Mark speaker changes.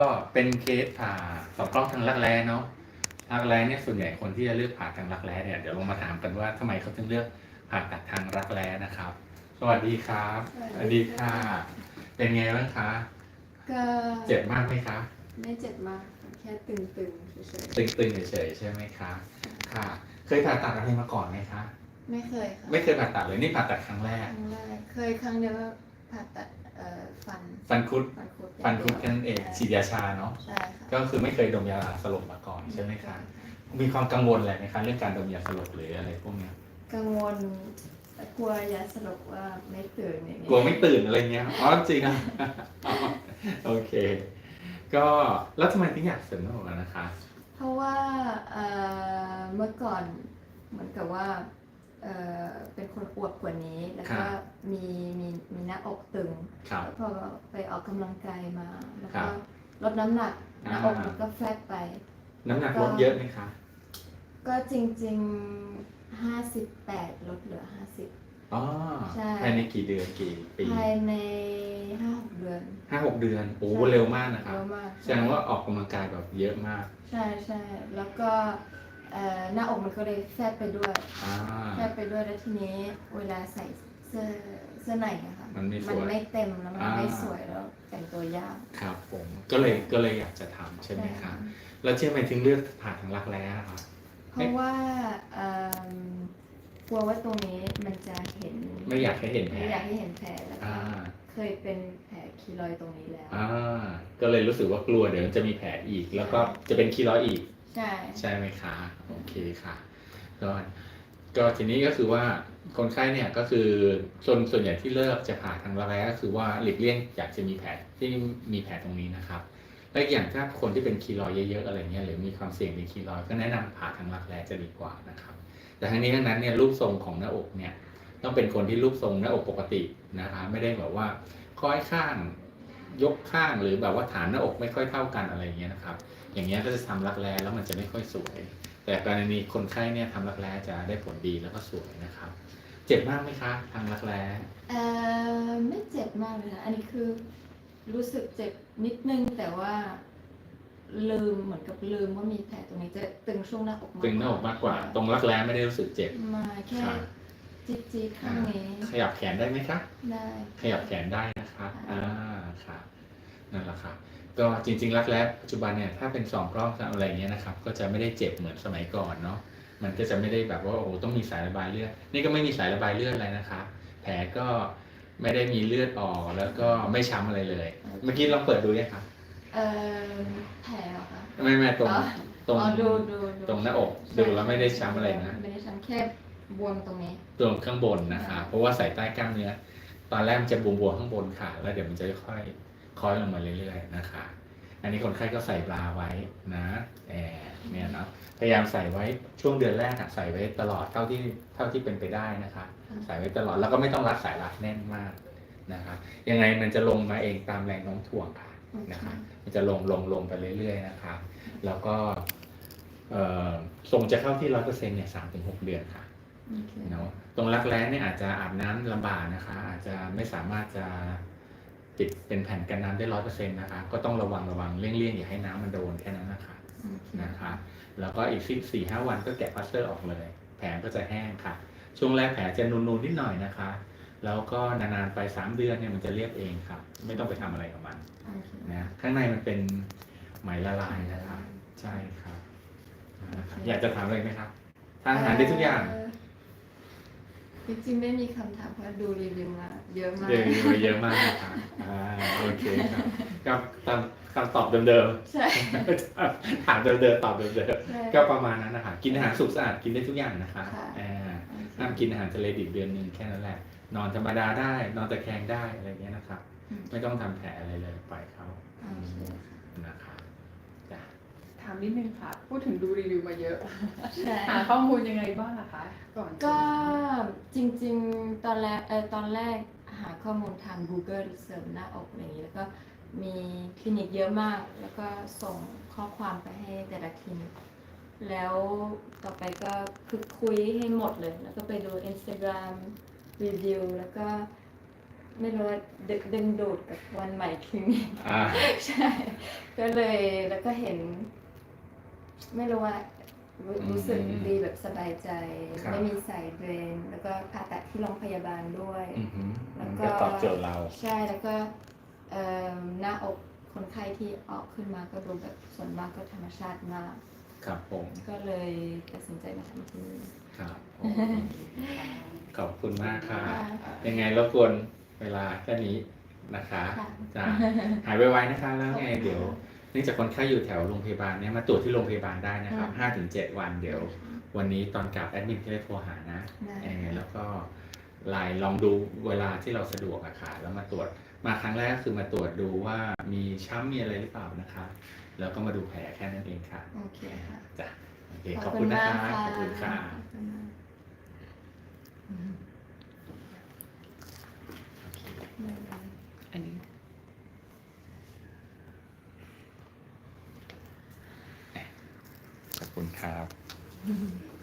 Speaker 1: ก็เป็นเคสสองกล้องทางรักแร้เนาะรักแร้เนี่ยส่วนใหญ่คนที่จะเลือกผ่าทางรักแร้เนี่ยเดี๋ยวลงมาถามกันว่าทำไมเขาถึงเลือกผ่าตัดทางรักแร้นะครับ สวัสดีครับสวัสดีค่ะเป็นไงบ้างคะ
Speaker 2: ก็
Speaker 1: เจ็บมากไหมคะ
Speaker 2: ไม่เจ็บมากแค่ตึงๆเฉย
Speaker 1: ตึงๆเฉยๆใช่ไหมคะค่ะ เคยผ่าตัดอะไรมาก่อนไหมคะ
Speaker 2: ๆไม่เคยค่ะ
Speaker 1: ไม่เคยผ่าตัดเลยนี่ผ่าตัดครั้งแรก
Speaker 2: ครั้งแรกเคยครั้งเดียวว่าผ่าตัดฟัน
Speaker 1: ฟันคุด
Speaker 2: ฟันคุด
Speaker 1: ฟันคุดแค่นั้นเองฉีดยาชาเนาะ
Speaker 2: ใช่ค่ะ
Speaker 1: ก็คือไม่เคยดมยาสลบมาก่อนใช่ไหมคะมีความกังวลอะไรไหมคะเรื่องการดมยาสลบหรืออะไรพวกเนี้ย
Speaker 2: กังวลกลัวยาสลบว่าไม่ตื่นอย่างเงี้ย
Speaker 1: กลัวไม่ตื่นอะไรเงี้ยอ๋อจริงอ่ะอ๋อโอเค ก็แล้วทำไมถึงอยากเสริมหน้าอกอะนะคะ
Speaker 2: เพราะว่าเมื่อก่อนเหมือนกับว่าเป็นคนอวบกว่านี้แล้วก็มีหน้าอกตึงแล้วพอไปออกกำลังกายมาแล้วก็ลดน้ำหนักหน้าอกมันก็แฟบไป
Speaker 1: น้ำหนักลดเยอะไหมคะ
Speaker 2: ก็จริงๆ58ลดเหลือ50
Speaker 1: อ๋อ
Speaker 2: ใช่
Speaker 1: ภายในกี่เดือนกี่ปี
Speaker 2: ภายใน5-6เดือน
Speaker 1: 5-6 เดือนโอ้เร็วมากนะคะ
Speaker 2: เร็วมาก
Speaker 1: แสดงว่าออกกำลังกายแบบเยอะมาก
Speaker 2: ใช่ใช่แล้วก็หน้าอกมันก็เลยแฟบไปด้วยแฟบไปด้วยแล้วทีนี้เวลาใส่เสื้อในอะค่ะ
Speaker 1: มันไม่สวย
Speaker 2: มันไม่เต็มแล้วมันไม่สวยแล้วแต่งตัวยาก
Speaker 1: ครับผมก็เลยอยากจะทำใช่ไหมคะแล้วทำไมถึงเลือกผ่าทางรักแร้ครับ
Speaker 2: เพราะว่ากลัวว่าตรงนี้มันจะเห็น
Speaker 1: ไม่อยากให้เห็นแผล
Speaker 2: ไม่อยากให้เห็นแผลแล้วก็เคยเป็นแผลคีรอยด์ตรงนี้แล้ว
Speaker 1: ก็เลยรู้สึกว่ากลัวเดี๋ยวจะมีแผลอีก แล้วก็จะเป็นคีรอยด์อีก
Speaker 2: ใช่
Speaker 1: ไหมคะโอเคค่ะก็ทีนี้ก็คือว่าคนไข้เนี่ยก็คือส่วนใหญ่ที่เลิกจะผ่าทางรักแร้ก็คือว่าหลีกเลี่ยงอยากจะมีแผลที่มีแผลตรงนี้นะครับและอย่างถ้าคนที่เป็นคีรอยด์เยอะๆอะไรเงี้ยหรือมีความเสี่ยงเป็นคีรอยด์ก็แนะนำผ่าทางรักแร้จะดีกว่านะครับแต่ทั้งนี้ทั้งนั้นเนี่ยรูปทรงของหน้าอกเนี่ยต้องเป็นคนที่รูปทรงหน้าอกปกตินะคะไม่ได้แบบว่าคล้อยข้างยกข้างหรือแบบว่าฐานหน้าอกไม่ค่อยเท่ากันอะไรเงี้ยนะครับอย่างเงี้ยก็จะทำรักแร้แล้วมันจะไม่ค่อยสวยแต่กรณีคนไข้เนี่ยทำรักแร้จะได้ผลดีแล้วก็สวยนะครับเจ็บมากไหมคะทางรักแร้
Speaker 2: ไม่เจ็บมากเลยนะอันนี้คือรู้สึกเจ็บนิดนึงแต่ว่าลืมเหมือนกับลืมว่ามีแผลตรงนี้จะตึงช่วงหน้าอก
Speaker 1: ตึงหน้าอกมากกว่าตรงรักแร้ไม่ได้รู้สึกเจ็บ
Speaker 2: มาแค่จี๊ดข้างนี้
Speaker 1: ขยับแขนได้ไหมคะ
Speaker 2: ได้
Speaker 1: ขยับแขนได้นะคะค่ะนั่นแหละค่ะก็จริงๆรักแร้ปัจจุบันเนี่ยถ้าเป็น2 กล้องอะไรเงี้ยนะครับก็จะไม่ได้เจ็บเหมือนสมัยก่อนเนาะมันก็จะไม่ได้แบบว่าโอ้โหต้องมีสายระบายเลือดนี่ก็ไม่มีสายระบายเลือดอะไรนะคะแผลก็ไม่ได้มีเลือดออกแล้วก็ไม่ช้ำอะไรเลยเมื่อกี้ลองเปิดดูยังคะ
Speaker 2: แผลเหรอคะ
Speaker 1: ไม่ตรง
Speaker 2: ดู
Speaker 1: ตรงหน้าอกดูแล้วไม่ได้ช้ำอะไรนะ
Speaker 2: ไม่ได้ช้ำแค่บวมตรงนี้
Speaker 1: ตรงข้างบนนะคะเพราะว่าใส่ใต้กล้ามเนื้อตอนแรกมันจะบวมๆข้างบนค่ะแล้วเดี๋ยวมันจะค่อยคล้อยลงมาเรื่อยๆนะคะอันนี้คนไข้ก็ใส่บราไว้นะเนี่ยเนาะพยายามใส่ไว้ช่วงเดือนแรกใส่ไว้ตลอดเท่าที่เป็นไปได้นะคะใส่ไว้ตลอดแล้วก็ไม่ต้องรัดสายรัดแน่นมากนะคะยังไงมันจะลงมาเองตามแรงโน้มถ่วงค่ะนะคะมันจะลงไปเรื่อยๆนะคะแล้วก็ทรงจะเข้าที่100%เนี่ย3-6 เดือนค่ะเนาะตรงรักแร้เนี่ยอาจจะอาบน้ำลำบากนะคะอาจจะไม่สามารถจะติดเป็นแผ่นกันน้ำได้100%นะคะก็ต้องระวังเลี่ยงอย่าให้น้ำมันโดนแค่นั้นนะคะแล้วก็อีก4-5 วันก็แกะพลาสเตอร์ออกเลยแผลก็จะแห้งค่ะช่วงแรกแผลจะนูนๆนิดหน่อยนะคะแล้วก็นานๆไป3 เดือนเนี่ยมันจะเรียบเองครับไม่ต้องไปทำอะไรกับมันนะข้างในมันเป็นไหมละลายนะคะใช่ครับอยากจะถามอะไรไหมครับทานอาหารได้ทุกอย่าง
Speaker 2: จริงๆไม่มีคำถามเพราะดูรีวิวมาเยอะมาก
Speaker 1: เยอะมากนะครับโอเคครับกับคำตอบเดิม
Speaker 2: ๆใช่
Speaker 1: ถามเดิมตอบเดิมก็ประมาณนั้นนะคะกินอาหารสุกสะอาดกินได้ทุกอย่างนะคะห้ามกินอาหารทะเลดิบเดือนนึงแค่นั้นแหละนอนธรรมดาได้นอนตะแคงได้อะไรเงี้ยนะครับไม่ต้องทำแผลอะไรเลยปล่อยเขานะครับ
Speaker 3: ถามนิดนึงค่ะ พูดถึงดูรีวิวมาเยอะหาข้อมูลยังไงบ้างคะก่อน
Speaker 2: ก็จริงๆตอนแรกหาข้อมูลทาง Google เสริมหน้าอกอะไรอย่างนี้แล้วก็มีคลินิกเยอะมากแล้วก็ส่งข้อความไปให้แต่ละคลินิกแล้วต่อไปก็คือคุยให้หมดเลยแล้วก็ไปดู Instagram รีวิวแล้วก็ไม่รู้ว่าดึงดูดกับวันใหม่คลินิก ใช่ ก็เลยแล้วก็เห็น ไม่รู้ว่ารู้สึกดีแบบสบายใจ ไม่มีสายเดรนแล้วก็ผ่าตัดที่โรงพยาบาลด้วย แล้วก็
Speaker 1: ตอบโจทย์เรา
Speaker 2: ใช่แล้วก็หน้าอกคนไข้ที่ออกขึ้นมาก็ดูแบบส่วนมากก็ธรรมชาติมาก
Speaker 1: ครับผม
Speaker 2: ก็เลยตัดสินใจมาทำที่นี่
Speaker 1: ครับผมขอบคุณมากค่ะ
Speaker 2: ค่ะ
Speaker 1: ยังไงรบกวนเวลาแค่นี้นะคะ
Speaker 2: ค่ะ
Speaker 1: จ้ะหายไวๆนะคะ แล้วไงเดี๋ยวเนื่องจากคนไข้อยู่แถวโรงพยาบาลเนี่ยมาตรวจที่โรงพยาบาลได้นะครับ 5-7 วันเดี๋ยว วันนี้ตอนกลับแอดมินจะได้โทรหานะ
Speaker 2: ได้
Speaker 1: แล้วก็ไลน์ลองดูเวลาที่เราสะดวกอะค่ะแล้วมาตรวจมาครั้งแรกก็คือมาตรวจดูว่ามีช้ำมีอะไรหรือเปล่านะคะ แล้วก็มาดูแผลแค่นั้นเองค่ะ
Speaker 2: โอเคค่ะ
Speaker 1: จ้ะโอเคขอบคุณนะคะ
Speaker 2: มาก
Speaker 1: ขอบคุณค่ะ
Speaker 2: ขอบคุณมากได้เลย
Speaker 3: อันนี้
Speaker 1: ขอบคุณครับ